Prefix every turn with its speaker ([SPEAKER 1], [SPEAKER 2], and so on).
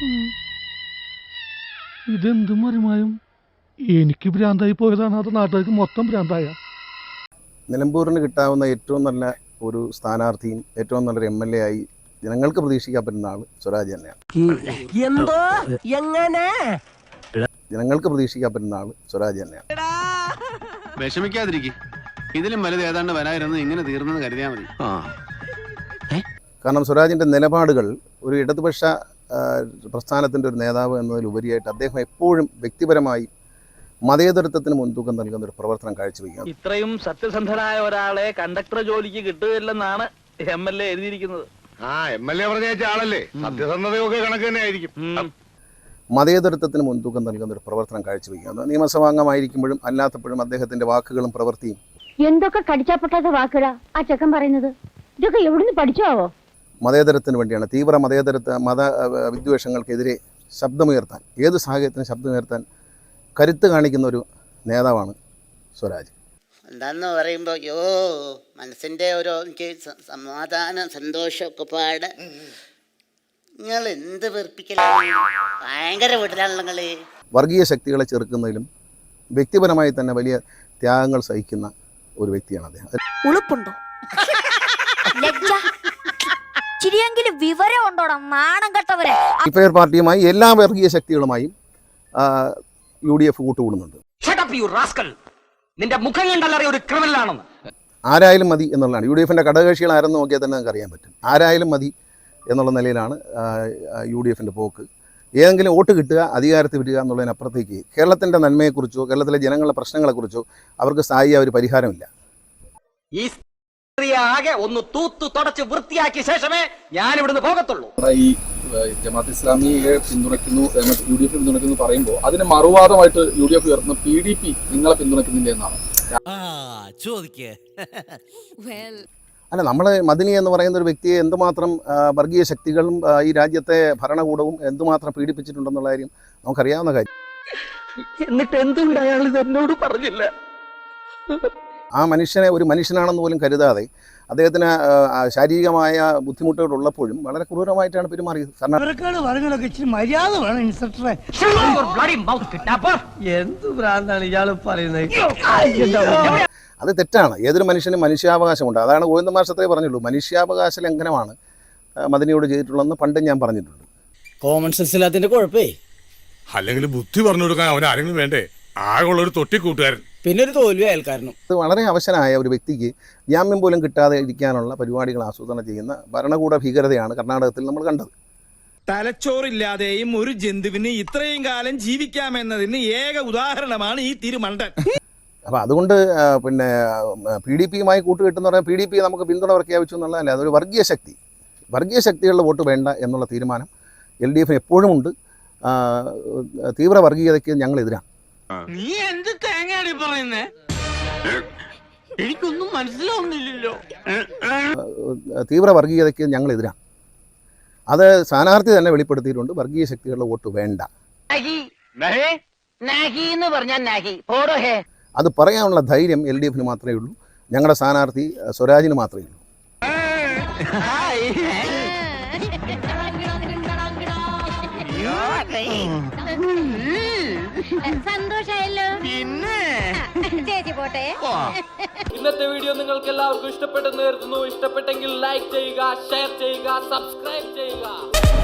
[SPEAKER 1] ഇതെന്തും മറിമായും എനിക്ക് ഭ്രാന്തായി പോയതാണ്, അത് നാട്ടുകാർക്ക് മൊത്തം ഭ്രാന്തായ.
[SPEAKER 2] നിലമ്പൂരിന് കിട്ടാവുന്ന ഏറ്റവും നല്ല ഒരു സ്ഥാനാർത്ഥിയും ഏറ്റവും നല്ലൊരു MLA ആയി ജനങ്ങൾക്ക് പ്രതീക്ഷിക്കാൻ പറ്റുന്ന ആൾ സ്വരാജ് തന്നെയാണ്. ജനങ്ങൾക്ക് പ്രതീക്ഷിക്കാൻ പറ്റുന്ന ആൾ സ്വരാജ് തന്നെയാണ്.
[SPEAKER 3] വിഷമിക്കാതിരിക്കും, ഇതിലും വലുത് ഏതാണ്ട് വരായിരുന്നു, ഇങ്ങനെ തീർന്നെന്ന് കരുതിയാൽ മതി.
[SPEAKER 2] കാരണം സ്വരാജിൻ്റെ നിലപാടുകൾ ഒരു ഇടതുപക്ഷ പ്രസ്ഥാനത്തിൻ്റെ ഒരു നേതാവ് എന്നതിലുപരിയായിട്ട് അദ്ദേഹം എപ്പോഴും വ്യക്തിപരമായി മതേതരത്വത്തിന് മുൻതൂക്കം നൽകുന്ന ഒരു പ്രവർത്തനം കാഴ്ചവെക്കുക.
[SPEAKER 4] ഇത്രയും സത്യസന്ധനായ ഒരാളെ കണ്ടക്ടർ ജോലിക്ക് കിട്ടുകയില്ലെന്നാണ് MLA എഴുതിയിരിക്കുന്നത്.
[SPEAKER 5] MLA പറഞ്ഞ ആളല്ലേ, സത്യസന്ധതയൊക്കെ കണക്ക് തന്നെ ആയിരിക്കും.
[SPEAKER 2] മതേതരത്വത്തിന് മുൻതൂക്കം നൽകുന്ന ഒരു പ്രവർത്തനം കാഴ്ചവെക്കുക. നിയമസഭാംഗമായിരിക്കുമ്പോഴും അല്ലാത്തപ്പോഴും അദ്ദേഹത്തിൻ്റെ വാക്കുകളും പ്രവൃത്തിയും
[SPEAKER 6] എന്തൊക്കെ കടിച്ചാപ്പൊട്ടാത്ത വാക്കുകളാ ആ ചെക്കൻ പറയുന്നത്. ഇതൊക്കെ എവിടുന്ന് പഠിച്ചാവോ?
[SPEAKER 2] മതേതരത്തിന് വേണ്ടിയാണ്, തീവ്ര മത വിദ്വേഷങ്ങൾക്കെതിരെ ശബ്ദമുയർത്താൻ, ഏത് സാഹചര്യത്തിനും ശബ്ദമുയർത്താൻ കരുത്ത് കാണിക്കുന്ന ഒരു നേതാവാണ് സ്വരാജ്.
[SPEAKER 7] എന്താന്ന് പറയുമ്പോൾ മനസ്സിൻ്റെ ഓരോ എനിക്ക് സമാധാനം സന്തോഷമൊക്കെ പാട്. നിങ്ങൾ എന്ത് വെറുപ്പിക്കലാണ്, ഭയങ്കര വീട്ടിലാണല്ലോ നിങ്ങൾ.
[SPEAKER 2] വർഗീയ ശക്തികളെ ചെറുക്കുന്നതിലും വ്യക്തിപരമായി തന്നെ വലിയ ത്യാഗങ്ങൾ സഹിക്കുന്ന ഒരു വ്യക്തിയാണ് അദ്ദേഹം.
[SPEAKER 6] ഉളുപ്പുണ്ടോ? ചിരിയെങ്കിലും വിവരം ഉണ്ടോടാ നാണം കെട്ടവരെ.
[SPEAKER 2] ഡിഫയർ പാർട്ടിയുമായി എല്ലാ വർഗീയ ശക്തികളുമായും UDF കൂട്ടുകൂടുന്നുണ്ട്.
[SPEAKER 4] നിന്റെ മുഖം കണ്ടല്ലറിയ ഒരു ക്രിമിനലാണെന്ന്.
[SPEAKER 2] ആരായാലും മതി എന്നുള്ളതാണ്. UDFൻ്റെ ഘടകകക്ഷികൾ ആരെന്ന് നോക്കിയാൽ തന്നെ നമുക്ക് അറിയാൻ പറ്റും. ആരായാലും മതി എന്നുള്ള നിലയിലാണ് UDFൻ്റെ പോക്ക്. ഏതെങ്കിലും വോട്ട് കിട്ടുക, അധികാരത്തിൽ വരിക എന്നുള്ളതിനപ്പുറത്തേക്ക് കേരളത്തിൻ്റെ നന്മയെക്കുറിച്ചോ കേരളത്തിലെ ജനങ്ങളുടെ പ്രശ്നങ്ങളെക്കുറിച്ചോ അവർക്ക് സ്ഥായിയായ ഒരു പരിഹാരമില്ല.
[SPEAKER 4] ഈ ആകെ ഒന്ന് തൂത്തു തുടച്ച് വൃത്തിയാക്കിയ ശേഷമേ ഞാൻ ഇവിടുന്ന് പോകത്തുള്ളൂ.
[SPEAKER 8] ഈ ജമാഅത്ത് ഇസ്ലാമിയെ പിന്തുണയ്ക്കുന്നു, UDF പിന്തുണയ്ക്കുന്നു പറയുമ്പോൾ അതിന് മറുവാദമായിട്ട് UDF ഉയർത്തുന്ന PDP നിങ്ങളെ പിന്തുണയ്ക്കുന്നില്ല എന്നാണ്.
[SPEAKER 2] അല്ല, നമ്മൾ മദനി എന്ന് പറയുന്ന ഒരു വ്യക്തിയെ എന്തുമാത്രം വർഗീയ ശക്തികളും ഈ രാജ്യത്തെ ഭരണകൂടവും എന്തുമാത്രം പീഡിപ്പിച്ചിട്ടുണ്ടെന്നുള്ള കാര്യം നമുക്കറിയാവുന്ന കാര്യം.
[SPEAKER 4] എന്നിട്ട് എന്തുകൊണ്ട് അയാൾ ഇത് എന്നോട് പറഞ്ഞില്ല?
[SPEAKER 2] ആ മനുഷ്യനെ ഒരു മനുഷ്യനാണെന്ന് പോലും കരുതാതെ അദ്ദേഹത്തിന് ശാരീരികമായ ബുദ്ധിമുട്ടുകൾ ഉള്ളപ്പോഴും വളരെ ക്രൂരമായിട്ടാണ് പെരുമാറിയത്. കാരണം അത് തെറ്റാണ്. ഏതൊരു മനുഷ്യനും മനുഷ്യാവകാശമുണ്ട്. അതാണ് ഗോവിന്ദ മാഷത്രേ പറഞ്ഞുള്ളൂ, മനുഷ്യാവകാശ ലംഘനമാണ് മദനിയോട് ചെയ്തിട്ടുള്ളതെന്ന് പണ്ടും ഞാൻ പറഞ്ഞിട്ടുണ്ട്.
[SPEAKER 9] കോമൺ സെൻസ് ഇല്ലാത്തതിന്റെ കുഴപ്പേ.
[SPEAKER 5] അല്ലെങ്കിൽ ബുദ്ധി പറഞ്ഞു കൊടുക്കാൻ അവൻ ആരെങ്കിലും വേണ്ടേ? ആകെയുള്ള ഒരു തൊട്ടിക്കൂട്ടുകാരൻ,
[SPEAKER 9] പിന്നെ ഒരു തോൽവി അയൽക്കാരനും.
[SPEAKER 2] അത് വളരെ അവശനായ ഒരു വ്യക്തിക്ക് ജാമ്യം പോലും കിട്ടാതെ ഇരിക്കാനുള്ള പരിപാടികൾ ആസൂത്രണം ചെയ്യുന്ന ഭരണകൂട ഭീകരതയാണ് കർണാടകത്തിൽ നമ്മൾ കണ്ടത്.
[SPEAKER 10] തലച്ചോറില്ലാതെയും ഒരു ജന്തുവിന് ഇത്രയും കാലം ജീവിക്കാമെന്നതിന് ഏക ഉദാഹരണമാണ് ഈ തിരുമണ്ടൻ.
[SPEAKER 2] അപ്പോൾ അതുകൊണ്ട് പിന്നെ PDPയുമായി കൂട്ടുകെട്ടെന്ന് പറഞ്ഞാൽ PDP നമുക്ക് പിന്തുണ പ്രഖ്യാപിച്ചു എന്നുള്ളതല്ല, അതൊരു വർഗീയ ശക്തികളുടെ വോട്ട് വേണ്ട എന്നുള്ള തീരുമാനം LDF എപ്പോഴും ഉണ്ട്. തീവ്ര വർഗീയതയ്ക്ക് ഞങ്ങളെതിരാണ്.
[SPEAKER 4] നീ എന്ത് തേങ്ങയാണ് പറയുന്നേ? എനിക്കൊന്നും മനസ്സിലാവുന്നില്ലല്ലോ.
[SPEAKER 2] തീവ്ര വർഗീയതയ്ക്ക് ഞങ്ങളെതിരാണ്. അത് സ്ഥാനാർത്ഥി തന്നെ വെളിപ്പെടുത്തിയിട്ടുണ്ട്. വർഗീയ ശക്തികളുടെ വോട്ട് വേണ്ട. അത് പറയാനുള്ള ധൈര്യം LDFന് മാത്രമേ ഉള്ളൂ. ഞങ്ങളുടെ സ്ഥാനാർത്ഥി സ്വരാജിന് മാത്രമേ ഉള്ളൂ.
[SPEAKER 6] സന്തോഷായല്ലോ.
[SPEAKER 4] ഇന്നത്തെ വീഡിയോ നിങ്ങൾക്ക് എല്ലാവർക്കും ഇഷ്ടപ്പെട്ടെന്ന് കരുതുന്നു. ഇഷ്ടപ്പെട്ടെങ്കിൽ ലൈക്ക് ചെയ്യുക, ഷെയർ ചെയ്യുക, സബ്സ്ക്രൈബ് ചെയ്യുക.